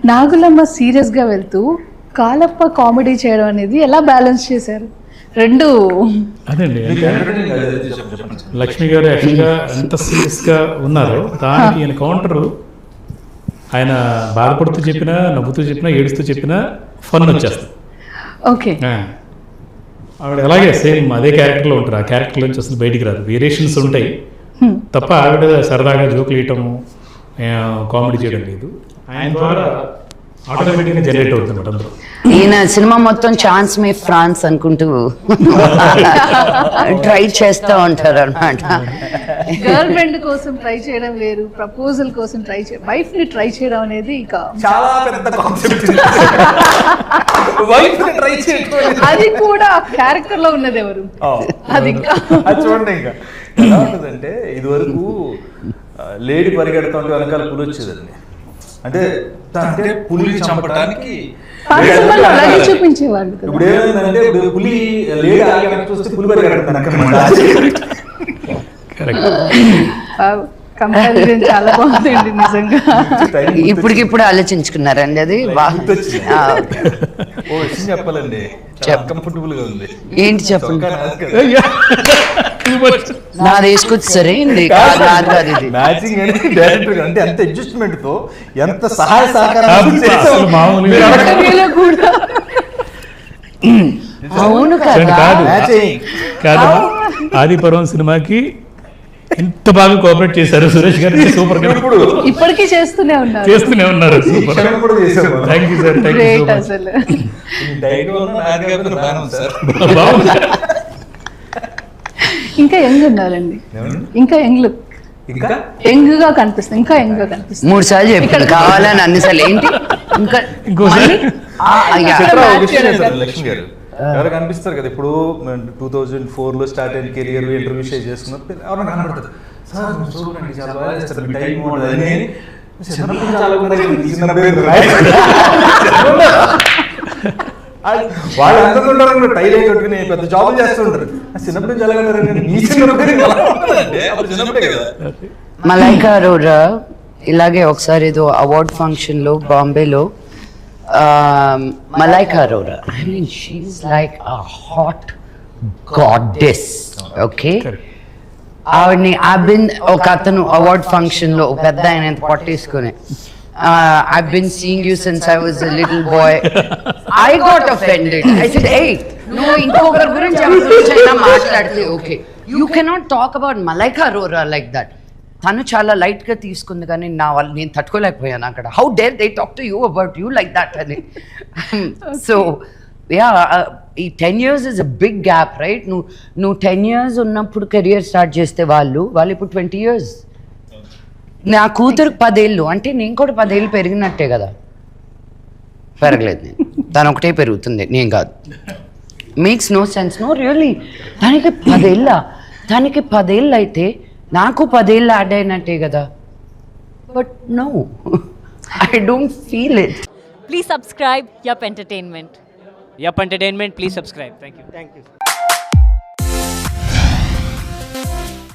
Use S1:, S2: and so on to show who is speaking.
S1: నాగులమ్మ సీరియస్గా వెళ్తూ కాలప్ప కామెడీ చేయడం అనేది ఎలా బ్యాలెన్స్ చేశారు? రెండు
S2: అదండి అంటే లక్ష్మి గారు యాక్చువల్గా ఎంత సీరియస్గా ఉన్నారో దానికి ఈయన కౌంటరు ఆయన బాధపడుతూ చెప్పినా, నవ్వుతూ చెప్పినా, ఏడుస్తూ చెప్పినా ఫన్ వచ్చేస్తుంది.
S1: ఓకే,
S2: ఆవిడ అలాగే సేమ్ అదే క్యారెక్టర్లో ఉంటారు. ఆ క్యారెక్టర్ నుంచి అసలు బయటికి రాదు, వేరియేషన్స్ ఉంటాయి తప్ప ఆవిడ సరదాగా జోకులు వేయటము, కామెడీ చేయడం లేదు. ఆయన ద్వారా ఆటోమేటిక్గా జనరేట్ అవుతుంది అందులో.
S3: ఈయన సినిమా మొత్తం ఛాన్స్ మే ఫ్రాన్స్ అనుకుంటూ ట్రై చేస్తూ ఉంటారు అనమాట.
S1: గర్ల్ ఫ్రెండ్ కోసం ట్రై చేయడం వేరు, ప్రపోజల్ కోసం ట్రై చేయడం, వైఫ్ ని ట్రై చేయడం అనేది ఇక
S4: చాలా పెద్ద కాన్సెప్ట్. వైఫ్ ని ట్రై చేయడం
S1: అది కూడా క్యారెక్టర్ లో ఉన్నది ఎవరు? అది ఇంకా
S4: అది చూడండి. ఇంకా ఎలా ఉంటుందంటే ఇది వరకు లేడీ పరిగెడతా ఉంటే వెనకాల పులి వచ్చేదండి. అంటే అంటే పులిని చంపడానికి
S1: అలాగే చూపించేవాళ్ళు కదా.
S4: ఇప్పుడు ఏమైందంటే ఇప్పుడు పులి లేడీ ఆగి వెనక్కి చూస్తే పులి పరిగెడుతుంది అన్నమాట.
S1: కంపారిజన్ చాలా బాగుందండి నిజంగా.
S3: ఇప్పటికిప్పుడు ఆలోచించుకున్నారండి అది.
S4: ఓ విషయం చెప్పాలండి, కంఫర్టబుల్ గా ఉంది.
S3: ఏంటి చెప్పండి? నాది వేసుకొచ్చి సరే
S4: మ్యాచింగ్ అనేది డైరెక్టర్ అంటే ఎంత అడ్జస్ట్మెంట్ తో ఎంత సహాయ సహకారం.
S3: అవును కదా,
S2: కాదు ఆదిపర్వం సినిమాకి ఎంత బాగా కోఆపరేట్ చేశారు సురేష్ గారు. సూపర్ గా
S1: ఇప్పటికీ చేస్తూనే ఉన్నారు.
S2: Super. Thank you sir, thank you
S1: అసలు. ఇంకా యంగ్ ఉన్నారండి, ఇంకా యంగ్ లుక్, యంగ్ గా కనిపిస్తుంది, ఇంకా యంగ్ గా కనిపిస్తుంది.
S3: 3 సార్లు చెప్పాను కావాలని అన్నిసార్లు. ఏంటి ఇంకా
S4: లక్ష్మి గారు ఎవరు కనిపిస్తారు కదా. ఇప్పుడు 2004 లో స్టార్ట్ అయిన కెరియర్ ఇంటర్వ్యూ షేర్ చేసుకున్నప్పుడు ఎవరైనా కనబడతారు. సార్ చూడండి చాలా బాగా చేస్తారు, మీ టైం ఉండదు. వాళ్ళు ఎంత ఉంటారు, టైల్ అయి కొట్టుకుని పెద్ద జాబ్ చేస్తుంటారు. చిన్నప్పుడు నుంచి ఎలాగంటే కదా.
S3: మలైకా అరోరా ఇలాగే ఒకసారి ఏదో అవార్డ్ ఫంక్షన్ లో బాంబేలో Malaika Arora, I mean she's like a hot goddess. Okay, ఆవిడ్ని ఒక అతను అవార్డ్ ఫంక్షన్ లో పెద్ద ఆయన పట్టేసుకుని I've been seeing you since I was a little boy. I got offended. I said, hey, no, ఇంకొకరి గురించి ఎవరైనా మాట్లాడితే okay, you cannot talk about Malaika Arora like that. తను చాలా లైట్ గా తీసుకుంది, కానీ నేను తట్టుకోలేకపోయాను అక్కడ. How dare they talk to you about you like that అని. సో యా, ఈ 10 years is a big gap, right? నువ్వు 10 years ఉన్నప్పుడు కెరియర్ స్టార్ట్ చేస్తే వాళ్ళు ఇప్పుడు 20 years. నా కూతురు 10 ఏళ్ళు అంటే నేను కూడా 10 ఏళ్ళు పెరిగినట్టే కదా. పెరగలేదు నేను, తను ఒకటే పెరుగుతుంది, నేను కాదు. Makes no sense. No really, దానికి 10 ఏళ్ళ, దానికి 10 ఏళ్ళు అయితే నాకు 10 ఏళ్ళు యాడ్ అయినట్టే కదా. But no, I don't feel it.
S5: Please subscribe Yup Entertainment.
S6: Yup Entertainment, please subscribe. Thank you.